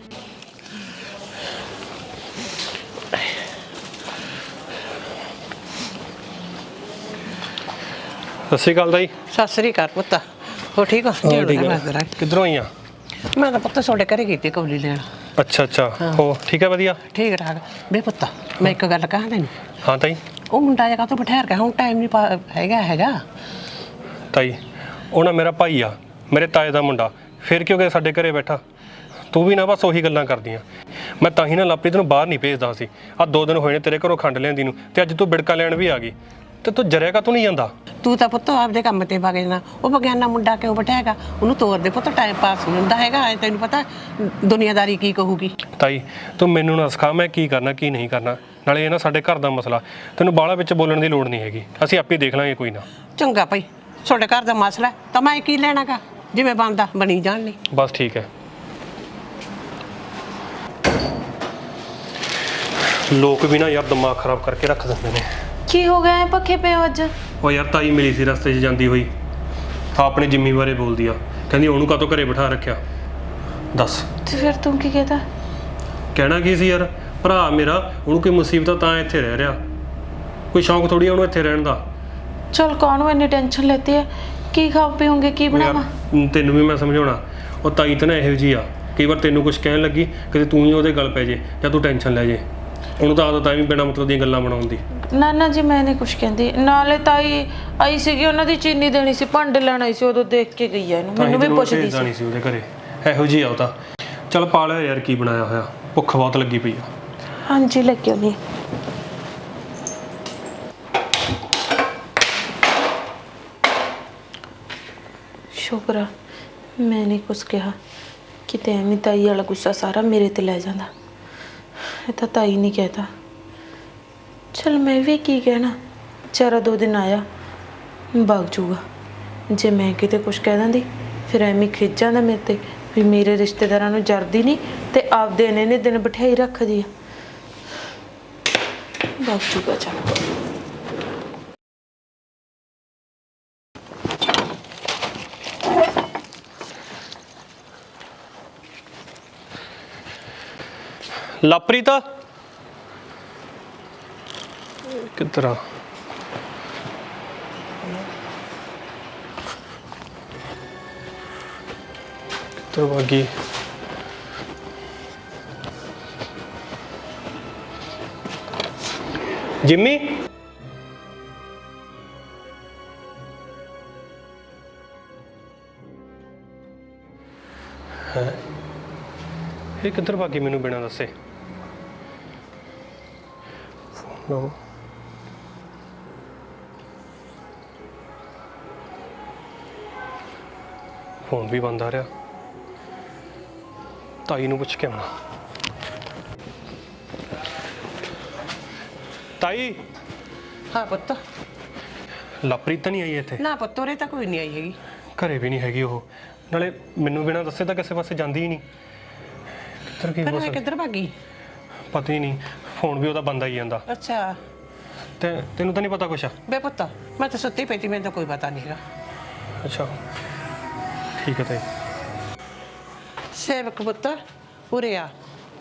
Speaker 1: ਸਤਿ ਸ਼੍ਰੀ ਅਕਾਲ ਤਾਈ।
Speaker 7: ਸਤਿ ਸ੍ਰੀ ਅਕਾਲ ਪੁੱਤ, ਹੋ ਠੀਕ ਹੋ?
Speaker 1: ਕਿੱਧਰੋਂ ਆਈ ਆ?
Speaker 7: ਮੈਂ ਤਾਂ ਪੁੱਤ ਤੁਹਾਡੇ ਘਰੇ ਕੀਤੀ ਕੌਲੀ ਲੈਣ।
Speaker 1: ਅੱਛਾ ਅੱਛਾ, ਹੋ ਠੀਕ ਹੈ ਵਧੀਆ।
Speaker 7: ਠੀਕ ਠਾਕ। ਬੇ ਪੁੱਤ ਮੈਂ ਇੱਕ ਗੱਲ ਕਹਾਂ ਤੈਨੂੰ।
Speaker 1: ਹਾਂ ਤਾਈ।
Speaker 7: ਉਹ ਮੁੰਡਾ ਜਿਹਾ ਕਾਹਤੋਂ ਬਿਠਾਇਆ ਰਿਹਾ? ਹੁਣ ਟਾਈਮ ਨਹੀਂ ਹੈਗਾ
Speaker 1: ਤਾਈ ਉਹ ਨਾ ਮੇਰਾ ਭਾਈ ਆ, ਮੇਰੇ ਤਾਏ ਦਾ ਮੁੰਡਾ, ਫਿਰ ਕਿਉਂ ਗਿਆ ਸਾਡੇ ਘਰੇ ਬੈਠਾ? ਤੂੰ ਵੀ ਨਾ ਬਸ ਉਹੀ ਗੱਲਾਂ ਕਰਦੀਆਂ। ਮੈਂ ਤਾਂ ਹੀ ਨਾ ਲਾਪਰੀ ਤੈਨੂੰ ਬਾਹਰ ਨਹੀਂ ਭੇਜਦਾ ਸੀ। ਆਹ 2 ਦਿਨ ਹੋਏ ਨੇ ਤੇਰੇ ਘਰੋਂ ਖੰਡ ਲਿਆਂਦੀ ਨੂੰ, ਤੇ ਅੱਜ ਤੂੰ ਬਿੜਕਾ ਲੈਣ ਵੀ ਆ ਗਈ, ਤੇ ਤੂੰ ਜਰਿਆ ਕਾ ਤੂੰ ਨਹੀਂ ਜਾਂਦਾ?
Speaker 7: ਤੂੰ ਤਾਂ ਪੁੱਤ ਆਪਦੇ ਕੰਮ ਤੇ ਵਗ ਜਾਣਾ, ਉਹ ਬਗਿਆਨਾ ਮੁੰਡਾ ਕਿਉਂ ਬਿਠਾਏਗਾ? ਉਹਨੂੰ ਤੋਰ ਦੇ ਪੁੱਤ, ਟਾਈਮ ਪਾਸ ਨਹੀਂ ਹੁੰਦਾ ਹੈਗਾ। ਤੈਨੂੰ ਪਤਾ ਦੁਨੀਆਦਾਰੀ ਕੀ ਕਹੂਗੀ।
Speaker 1: ਤਾਈ ਤੂੰ ਮੈਨੂੰ ਨਾ ਸਿਖਾ ਮੈਂ ਕੀ ਕਰਨਾ ਕੀ ਨਹੀਂ ਕਰਨਾ, ਨਾਲੇ ਇਹ ਨਾ ਸਾਡੇ ਘਰ ਦਾ ਮਸਲਾ, ਤੈਨੂੰ ਬਾਹਲਾ ਵਿੱਚ ਬੋਲਣ ਦੀ ਲੋੜ ਨਹੀਂ ਹੈਗੀ, ਅਸੀਂ ਆਪੇ ਦੇਖ ਲਾਂਗੇ ਕੋਈ ਨਾ।
Speaker 7: ਚੰਗਾ ਭਾਈ, ਤੁਹਾਡੇ ਘਰ ਦਾ ਮਸਲਾ ਤਾਂ ਮੈਂ ਕੀ ਲੈਣਾਗਾ, ਜਿਵੇਂ ਬਣਦਾ ਬਣੀ ਜਾਣ ਲਈ।
Speaker 1: ਬਸ ਠੀਕ ਹੈ। ਲੋਕ ਵੀ ਨਾ ਯਾਰ ਦਿਮਾਗ ਖਰਾਬ ਕਰਕੇ ਰੱਖ ਦਿੰਦੇ ਨੇ।
Speaker 2: ਕੀ ਹੋ ਗਿਆ ਪੱਖੇ ਪਏ ਹੋ ਅੱਜ?
Speaker 1: ਉਹ ਯਾਰ ਤਾਈ ਮਿਲੀ ਸੀ ਰਸਤੇ 'ਚ ਜਾਂਦੀ ਹੋਈ, ਤਾਂ ਆਪਣੀ ਜ਼ਿੰਮੀ ਬਾਰੇ ਬੋਲਦੀ ਆ, ਕਹਿੰਦੀ ਉਹਨੂੰ ਕਾਹਤੋਂ ਘਰੇ ਬਿਠਾ ਰੱਖਿਆ? ਦੱਸ
Speaker 2: ਤੇ ਫਿਰ ਤੂੰ ਕੀ ਕਹਤਾ?
Speaker 1: ਕਹਿਣਾ ਕੀ ਸੀ ਯਾਰ, ਭਰਾ ਮੇਰਾ, ਉਹਨੂੰ ਕੋਈ ਮੁਸੀਬਤ ਤਾਂ ਇੱਥੇ ਰਹਿ ਰਿਹਾ, ਕੋਈ ਸ਼ੌਂਕ ਥੋੜੀ ਉਹਨੂੰ ਇੱਥੇ ਰਹਿਣ ਦਾ।
Speaker 2: ਚਲ ਕਾਹਨੂੰ ਇੰਨੀ ਟੈਨਸ਼ਨ ਲੈਤੀ ਹੈ? ਕੀ ਖਾ ਪੀਓਗੇ, ਕੀ ਬਣਾਵਾਂ?
Speaker 1: ਤੈਨੂੰ ਵੀ ਮੈਂ ਸਮਝਾਉਣਾ, ਉਹ ਤਾਈ ਤਾਂ ਨਾ ਇਹੋ ਜਿਹੀ ਆ, ਕਈ ਵਾਰ ਤੈਨੂੰ ਕੁਝ ਕਹਿਣ ਲੱਗੀ ਕਿਤੇ ਤੂੰ ਹੀ ਉਹਦੇ ਗੱਲ ਪੈ ਜੇ ਜਾਂ ਤੂੰ ਟੈਨਸ਼ਨ ਲੈ ਜੇ। ਉਹਨੂੰ ਤਾਂ ਆਦਤ ਆ ਵੀ ਬਿਨਾਂ ਮਤਲਬ ਦੀਆਂ ਗੱਲਾਂ ਬਣਾਉਣ ਦੀ।
Speaker 2: ਨਾ ਜੀ ਮੈਂ ਨਹੀਂ ਕੁਝ ਕਹਿੰਦੀ, ਨਾਲੇ ਤਾਈ ਆਈ ਸੀਗੀ, ਉਹਨਾਂ ਦੀ ਚੀਨੀ ਦੇਣੀ ਸੀ, ਭਾਂਡੇ ਲੈਣ ਆਈ ਸੀ, ਉਦੋਂ ਦੇਖ ਕੇ ਗਈ ਆ ਇਹਨੂੰ, ਮੈਨੂੰ ਵੀ ਪੁੱਛਦੀ ਸੀ।
Speaker 1: ਉਹਦੇ ਘਰੇ ਇਹੋ ਜਿਹੀ ਆ ਉਹ ਤਾਂ। ਚੱਲ ਪਾ ਲਿਆ ਯਾਰ, ਕੀ ਬਣਾਇਆ ਹੋਇਆ। ਭੁੱਖ ਬਹੁਤ ਲੱਗੀ ਪਈ ਆ।
Speaker 2: ਹਾਂਜੀ ਲੱਗਿਓ ਨਹੀਂ। ਸ਼ੁਕਰ ਆ ਮੈਂ ਨਹੀਂ ਕੁਛ ਕਿਹਾ, ਕਿਤੇ ਐਵੇਂ ਤਾਈ ਵਾਲਾ ਗੁੱਸਾ ਸਾਰਾ ਮੇਰੇ ਤੇ ਲੈ ਜਾਂਦਾ। ਇਹ ਤਾਂ ਤਾਈ ਨਹੀਂ ਕਹਿਤਾ। ਚਲ ਮੈਂ ਵੀ ਕੀ ਕਹਿਣਾ, ਵਿਚਾਰਾ 2 ਦਿਨ ਆਇਆ ਭੱਗ ਜੂਗਾ। ਜੇ ਮੈਂ ਕਿਤੇ ਕੁਛ ਕਹਿ ਦਿੰਦੀ ਫਿਰ ਐਵੇਂ ਖਿੱਚ ਜਾਂਦਾ ਮੇਰੇ ਤੇ ਵੀ ਮੇਰੇ ਰਿਸ਼ਤੇਦਾਰਾਂ ਨੂੰ ਜਰਦੀ ਨਹੀਂ ਤੇ ਆਪਦੇ ਨੇ ਦਿਨ ਬਿਠਾਈ ਰੱਖਦੀ ਆ। ਭੱਗ ਜੂਗਾ ਚੱਲ।
Speaker 1: ਲਾਪ੍ਰੀਤ ਕਿੱਧਰ ਆ? ਕਿੱਧਰ ਭਾਗੀ? ਜਿੰਮੀ ਹੈ ਇਹ ਕਿੱਧਰ ਭਾਗੀ ਮੈਨੂੰ ਬਿਨਾਂ ਦੱਸੇ? ਲਓ ਫੋਨ ਵੀ ਬੰਦ ਆ ਰਿਹਾ। ਤਾਈ ਨੂੰ ਪੁੱਛ ਕੇ ਆਉਣਾ। ਤਾਈ
Speaker 7: ਹਾਂ ਪੁੱਤ।
Speaker 1: ਲਾਪ੍ਰੀਤ ਤਾਂ ਨਹੀਂ ਆਈ ਇੱਥੇ?
Speaker 7: ਨਾ ਪੁੱਤ ਉਰੇ ਤਾਂ ਕੋਈ ਨਹੀਂ ਆਈ ਹੈਗੀ।
Speaker 1: ਘਰੇ ਵੀ ਨਹੀਂ ਹੈਗੀ ਉਹ, ਨਾਲੇ ਮੈਨੂੰ ਬਿਨਾਂ ਦੱਸੇ ਤਾਂ ਕਿਸੇ ਪਾਸੇ ਜਾਂਦੀ ਹੀ ਨਹੀਂ। ਕਿੱਧਰ ਕੀ ਹੋ
Speaker 7: ਫਿਰ ਮੈਂ
Speaker 1: ਸਕਦਾ?
Speaker 7: ਕਿੱਧਰ ਭਾਗੀ?
Speaker 1: ਪਤਾ ਹੀ ਨਹੀਂ, ਫੋਨ ਵੀ ਉਹਦਾ ਬੰਦ ਆਈ ਜਾਂਦਾ।
Speaker 7: ਅੱਛਾ
Speaker 1: ਤੇ ਤੈਨੂੰ ਤਾਂ ਨਹੀਂ ਪਤਾ ਕੁਛ?
Speaker 7: ਬੇ ਪੁੱਤ ਮੈਂ ਤਾਂ ਸੁੱਤੀ ਪਈ ਤੀ, ਮੈਨੂੰ ਤਾਂ ਕੋਈ ਪਤਾ ਨਹੀਂ ਹੈਗਾ।
Speaker 1: ਅੱਛਾ ਠੀਕ ਹੈ ਤਾਈ।
Speaker 7: ਸੇਵਕ ਪੁੱਤ ਉਰੇ ਆ।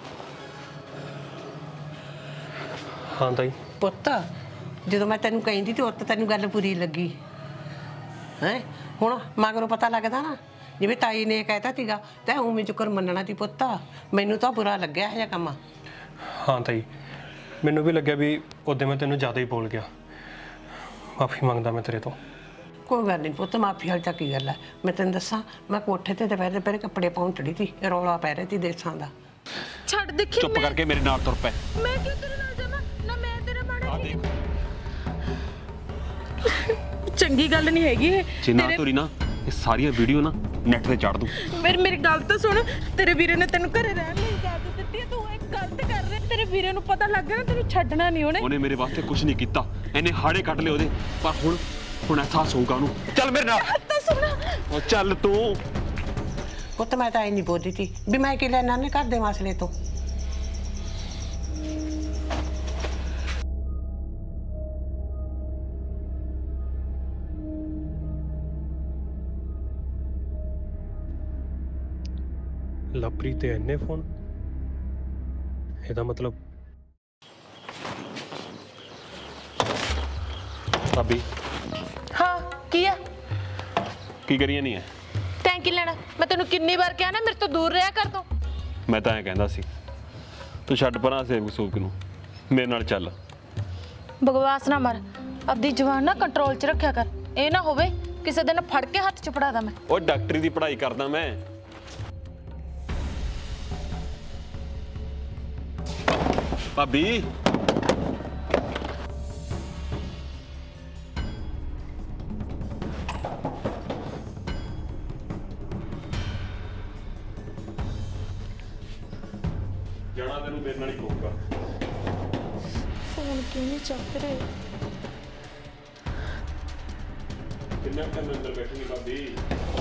Speaker 1: ਹਾਂ ਤਾਈ।
Speaker 7: ਪੁੱਤ ਜਦੋਂ ਮੈਂ ਤੈਨੂੰ ਕਹਿੰਦੀ ਤੇ ਉੱਤ ਤੈਨੂੰ ਗੱਲ ਪੂਰੀ ਲੱਗੀ ਹੈ। ਹੁਣ ਮਗਰੋਂ ਪਤਾ ਲੱਗਦਾ ਨਾ, ਜਿਵੇਂ ਤਾਈ ਨੇ ਕਹਿਤਾ ਸੀਗਾ ਤੇ ਉਵੇਂ ਚੁੱਕਰ ਮੰਨਣਾ ਸੀ ਪੁੱਤ। ਮੈਨੂੰ ਤਾਂ ਬੁਰਾ ਲੱਗਿਆ ਇਹ ਜਿਹਾ ਕੰਮ।
Speaker 1: ਹਾਂ ਤਾਈ, ਮੈਨੂੰ ਵੀ ਲੱਗਿਆ ਵੀ ਉਹਦੇ ਮੈਂ ਤੈਨੂੰ ਜ਼ਿਆਦਾ ਹੀ ਬੋਲ ਗਿਆ। ਮਾਫੀ ਮੰਗਦਾ ਮੈਂ ਤੇਰੇ ਤੋਂ।
Speaker 7: ਕੋਈ ਗੱਲ ਨਹੀਂ ਪੁੱਤ, ਮਾਫੀ ਵਾਲੀ ਤਾਂ ਕੀ ਗੱਲ ਹੈ। ਮੈਂ ਤੈਨੂੰ ਦੱਸਾਂ, ਮੈਂ ਕੋਠੇ ਤੇ ਦੁਪਹਿਰੇ ਦੁਪਹਿਰੇ ਕੱਪੜੇ ਪਾਉਣ ਚੜੀ ਸੀ, ਰੌਲਾ ਪੈ ਰਿਹਾ ਸੀ ਦੇਸਾਂ ਦਾ।
Speaker 2: ਛੱਡ ਦੇਖੀ।
Speaker 8: ਚੁੱਪ ਕਰਕੇ ਮੇਰੇ ਨਾਲ ਤੁਰ ਪੈ।
Speaker 2: ਮੈਂ ਕਿਉਂ ਤੇਰੇ ਨਾਲ ਜਾਵਾਂ? ਨਾ ਮੈਂ ਤੇਰੇ ਮਾੜਾ
Speaker 8: ਆ ਦੇਖ,
Speaker 2: ਚੰਗੀ ਗੱਲ ਨਹੀਂ ਹੈਗੀ ਇਹ।
Speaker 8: ਜੇ ਨਾ ਤੁਰੀ ਨਾ ਇਹ ਸਾਰੀਆਂ ਵੀਡੀਓ ਨਾ ਨੈਟ ਤੇ ਚੜ ਦੂੰ।
Speaker 2: ਮੇਰੀ ਗੱਲ ਤਾਂ ਸੁਣ। ਤੇਰੇ ਵੀਰੇ ਨੇ ਤੈਨੂੰ ਘਰੇ ਰਹਿਣ ਲਈ ਇਜਾਜ਼ਤ ਦਿੱਤੀ ਹੈ, ਤੂੰ ਇਹ ਗਲਤ ਕਰ ਰਿਹਾ। ਤੇਰੇ ਵੀਰੇ ਨੂੰ ਪਤਾ ਲੱਗ ਗਿਆ ਨਾ, ਤੈਨੂੰ ਛੱਡਣਾ ਨਹੀਂ ਉਹਨੇ।
Speaker 8: ਉਹਨੇ ਮੇਰੇ ਵਾਸਤੇ ਕੁਝ ਨਹੀਂ ਕੀਤਾ, ਇਹਨੇ ਹਾੜੇ ਕੱਢ ਲਏ ਉਹਦੇ। ਪਰ ਹੁਣ ਅਹਿਸਾਸ ਹੋਊਗਾ ਉਹਨੂੰ। ਚੱਲ ਮੇਰੇ ਨਾਲ।
Speaker 2: ਤਾਂ ਸੁਣ।
Speaker 8: ਉਹ ਚੱਲ ਤੂੰ।
Speaker 7: ਪੁੱਤ ਮੈਂ ਤਾਂ ਇਹ ਨਹੀਂ ਬੋਲਦੀ ਸੀ ਵੀ ਮੈਂ ਕੀ ਲੈਣਾ ਨੇ ਘਰ ਦੇ ਮਸਲੇ ਤੋਂ।
Speaker 1: ਲਾਪ੍ਰੀਤ ਤੇ ਇੰਨੇ ਫੋਨ, ਇਹਦਾ ਮਤਲਬ ਭਾਬੀ
Speaker 2: ਹਾਂ ਕੀ ਆ?
Speaker 8: ਕੀ ਕਰੀਏ ਨਹੀਂ ਹੈ?
Speaker 2: ਤੈਂ ਕੀ ਲੈਣਾ? ਮੈਂ ਤੈਨੂੰ ਕਿੰਨੀ ਵਾਰ ਕਿਹਾ ਨਾ ਮੇਰੇ ਤੋਂ ਦੂਰ ਰਿਹਾ ਕਰ ਤੂੰ।
Speaker 8: ਮੈਂ ਤਾਂ ਐਂ ਕਹਿੰਦਾ ਸੀ, ਤੂੰ ਛੱਡ ਪਰਾਂ ਸੇਵਕ ਸੂਕ ਨੂੰ, ਮੇਰੇ ਨਾਲ ਚੱਲ।
Speaker 2: ਬਕਵਾਸ ਨਾ ਮਾਰ, ਆਪਦੀ ਜ਼ੁਬਾਨ ਨਾ ਕੰਟਰੋਲ 'ਚ ਰੱਖਿਆ ਕਰ। ਇਹ ਨਾ ਹੋਵੇ ਕਿਸੇ ਦਿਨ ਫੜ ਕੇ ਹੱਥ 'ਚ ਫੜਾ ਦਾਂ ਮੈਂ।
Speaker 8: ਉਹ ਡਾਕਟਰੀ ਦੀ ਪੜ੍ਹਾਈ ਕਰਦਾ ਮੈਂ। ਭਾਬੀ ਜਾਣਾ ਤੈਨੂੰ ਮੇਰੇ ਨਾਲ ਹੀ ਪਊਗਾ।
Speaker 2: ਫੋਨ ਕਿਉਂ ਨਹੀਂ ਚੱਕ ਰਹੇ?
Speaker 8: ਕਿੰਨਾ ਟਾਈਮ ਅੰਦਰ ਬੈਠੀ ਭਾਬੀ?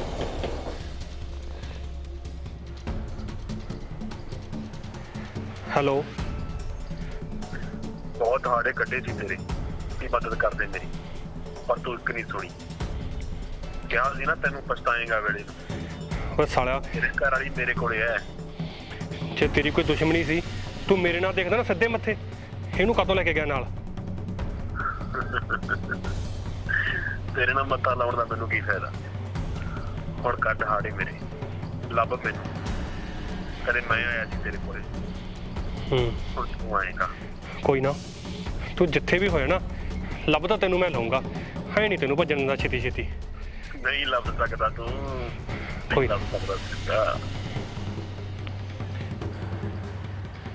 Speaker 1: ਹੈਲੋ।
Speaker 3: ਬਹੁਤ ਹਾੜੇ ਕੱਢੇ ਸੀ ਤੇਰੇ ਕੀ ਮਦਦ ਕਰਦੇ ਮੇਰੀ, ਪਰ ਤੂੰ ਇੱਕ ਨਹੀਂ ਸੁਣੀ। ਕਿਹਾ ਸੀ ਨਾ ਤੈਨੂੰ ਪਛਤਾਏਗਾ ਵੇਲੇ ਨੂੰ।
Speaker 1: ਓਏ ਸਾਲਿਆ,
Speaker 3: ਤੇਰੇ ਘਰ ਵਾਲੀ ਮੇਰੇ ਕੋਲੇ ਐ।
Speaker 1: ਜੇ ਤੇਰੀ ਕੋਈ ਦੁਸ਼ਮਣੀ ਸੀ ਤੂੰ ਮੇਰੇ ਨਾਲ ਦੇਖਦਾ ਨਾ ਸਿੱਧੇ ਮੱਥੇ, ਇਹਨੂੰ ਕਦੋਂ ਲੈ ਕੇ ਗਿਆ ਨਾਲ?
Speaker 3: ਤੇਰੇ ਨਾਲ ਮੱਤਾ ਲਾਉਣ ਦਾ ਮੈਨੂੰ ਕੀ ਫਾਇਦਾ। ਹੁਣ ਕੱਢ ਹਾੜੇ ਮੇਰੇ, ਲੱਭ ਮੈਨੂੰ। ਕਦੇ ਮੈਂ ਆਇਆ ਸੀ ਤੇਰੇ ਕੋਲੇ, ਹੁਣ ਤੂੰ ਆਏਗਾ।
Speaker 1: ਕੋਈ ਨਾ, ਤੂੰ ਜਿੱਥੇ ਵੀ ਹੋਇਆ ਨਾ ਲੱਭਦਾ ਤੈਨੂੰ ਮੈਂ ਲਾਉਂਗਾ। ਹੈ ਨਹੀਂ ਤੈਨੂੰ ਭੱਜਣ ਦਾ ਛੇਤੀ ਛੇਤੀ।
Speaker 3: ਨਹੀਂ ਲੱਭ ਸਕਦਾ ਤੂੰ,
Speaker 1: ਕੋਈ
Speaker 3: ਲੱਭ ਸਕਦਾ ਸੀਗਾ।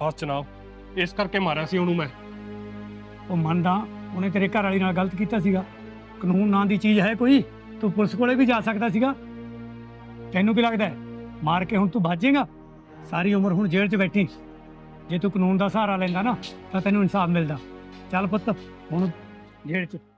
Speaker 1: ਫਸ ਜਨਾਬ ਇਸ ਕਰਕੇ ਮਾਰਿਆ ਸੀ ਉਹਨੂੰ ਮੈਂ।
Speaker 6: ਉਹ ਮੰਨਦਾ ਉਹਨੇ ਤੇਰੇ ਘਰ ਵਾਲੀ ਨਾਲ ਗਲਤ ਕੀਤਾ ਸੀਗਾ। ਕਾਨੂੰਨ ਨਾਂ ਦੀ ਚੀਜ਼ ਹੈ ਕੋਈ? ਤੂੰ ਪੁਲਿਸ ਕੋਲੇ ਵੀ ਜਾ ਸਕਦਾ ਸੀਗਾ। ਤੈਨੂੰ ਕੀ ਲੱਗਦਾ ਹੈ ਮਾਰ ਕੇ ਹੁਣ ਤੂੰ ਭਾਜੇਗਾ? ਸਾਰੀ ਉਮਰ ਹੁਣ ਜੇਲ੍ਹ 'ਚ ਬੈਠੀ। ਜੇ ਤੂੰ ਕਾਨੂੰਨ ਦਾ ਸਹਾਰਾ ਲੈਂਦਾ ਨਾ ਤਾਂ ਤੈਨੂੰ ਇਨਸਾਫ ਮਿਲਦਾ। ਚੱਲ ਪੁੱਤ ਹੁਣ ਜੇਲ੍ਹ 'ਚ।